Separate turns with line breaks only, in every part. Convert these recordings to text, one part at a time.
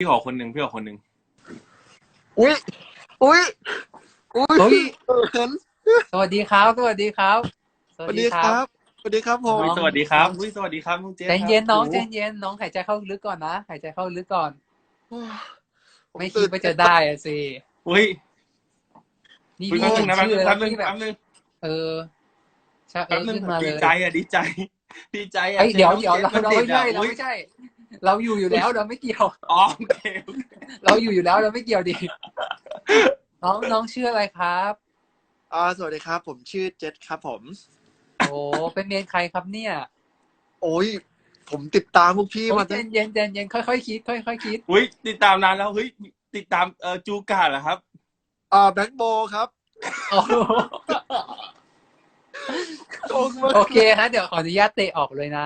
พี่ขอคนหนึ่งพี่ขอคนหนึ่ง
อุ้ยอุ้ยอุ้ย
เฮ้ย
เขิน
สวัสดีครับสวัสดีครับส
ส
วั
วั
ส
ส
ดี
ดี
ค
ค
รั
รับ บสวัสดีครับผม
สวัสดีครับสวัสดีครับน้องเจษ
ใจเย็นน้อง
ครับ
ใจเย็นน้องหายใจเข้าลึกก่อนนะหายใจเข้าลึกก่อน
ผม
ไม่คิ
ตื่
ด
น
ว่าจะได้อะสิ
อุ้ย
นี่
อุ้ย
พี่
แป๊บนึ
เห็
ง
น
นะแป๊บ
ชื่
นึ
อง แล้ว
แป๊บนึง
พี่แบบ
แป๊บนึง
เออชะเอ
แป๊บ
อ
นึง
ขึ้นมาเล
ดี
ย
ใจอ่ะดีใจดีใจอ่ะ
เฮ้ยเดี๋ยวเดี๋ยว
จ
เรา
น้อง
เรา
จ
ไม่ใช่
ด็ด
เรา
อุ๊ย
ไม่ใช่ เราอยู่แล้วเราไม่เกี่ยว
อ๋อโอเคโอเค
เราอยู่แล้วเราไม่เกี่ยวดิน้องชื่ออะไรครับ
สวัสดีครับ ผมชื่อเจษครับผม
โอ้เป็นเมนใครครับเนี่ย
โอ้ยผมติดตามพวกพี่
โอ้
มาย
ใจ
ตั้ง
เย็นใจเย็นค่อยๆคิดค่อยๆคิด
อุ้ยติดตามนานแล้วเฮ้ยติดตามจูการ์เหรอครับ
แบงค์โบครับ
โอ้โห
โอ้มาก
โอเคฮะเดี๋ยวขออนุญาตเตะออกเลยนะ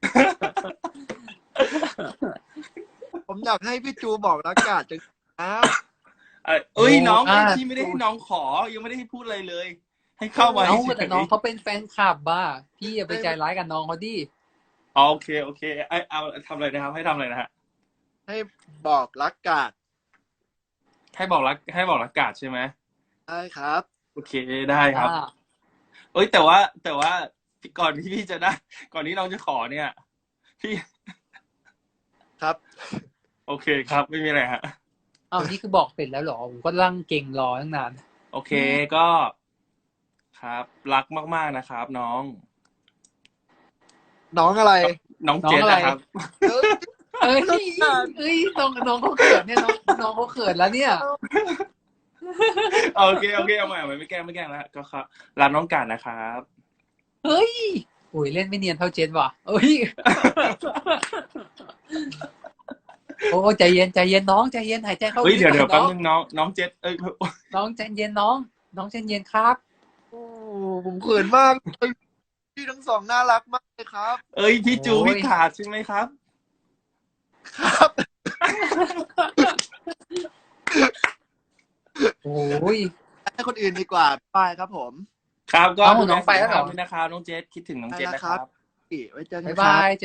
ผมอยากให้พี่จูบอกรักกาดจังนะ
เอ้ย
โอ้
น้อง
อ่ะ
พี่ไม่ได้ให้น้องขอยังไม่ได้ให้พูดอะไรเลย ให้เข้ามา
เอา
เฉ
แต่
ย
น้องเขาเป็นแฟนคลับบ้าพี่อย่าไปใจร้ายกับน้องเขาดิ
ๆอ๋อโอเคโอเคเอาทำอะไรนะครับให้ทำอะไรนะฮะ
ให้บอกรักกาด
ให้บอกรักกาดใช่ไหม
ได้ครับ
โอเคได้ครับ
อ่า
เอ้ยแต่ว่าก่อนที่พี่จะได้ ก่อนที่น้องจะขอเนี่ย พี่
ครับ
โอเคครับ ไม่มีอะไรฮะ
เอานี่คือบอกเสร็จแล้วเหรอผมก็นั่งเก่งรอตั้งนาน
โอเคก็ครับรักมากๆนะครับ น้อง
น้องอะไร
น้องเจษนะครับ
เอ้ย
เอ้ยเอ้ยน้องเขาเขินเนี่ยน้องเขาเขินแล้วเนี่ย
โอเคเอาใหม่ไม่แกล้งแล้วก็ครับรักน้องกาดนะครับ
เฮ้ยโอ้ยเล่นไม่เนียนเท่าเจนว่ะเอ้ยโอ้ใจเย็นน้องใจเย็นหายใจเข้า
เฮ้ยเดี๋ยว
ลึก
แป๊บ
ก่อน
นึงน้องเจษ
น้องใจเย็นน้องใจเย็นครับ
โอ้ผมเขินมากเลยพี่ทั้งสองน่ารักมากเลยครับ
เอ้ยพี่จู
โอ้ย
พี่ขาดใช่ไหมครับ
ครับ
โอ้ย
ให้คนอื่นดีกว่าบายครับผม
ครับก็
เอ้า
ดูแล
น้องไปแล้วเหรอ
สุขภาพด้วยนะครับน้องเจษคิดถึงน้องเจษ
ไปแล้ว
นะ
ค
ค
รั
รับ บ
ไว้เจอกัน
บ๊าย
ครับ
บาย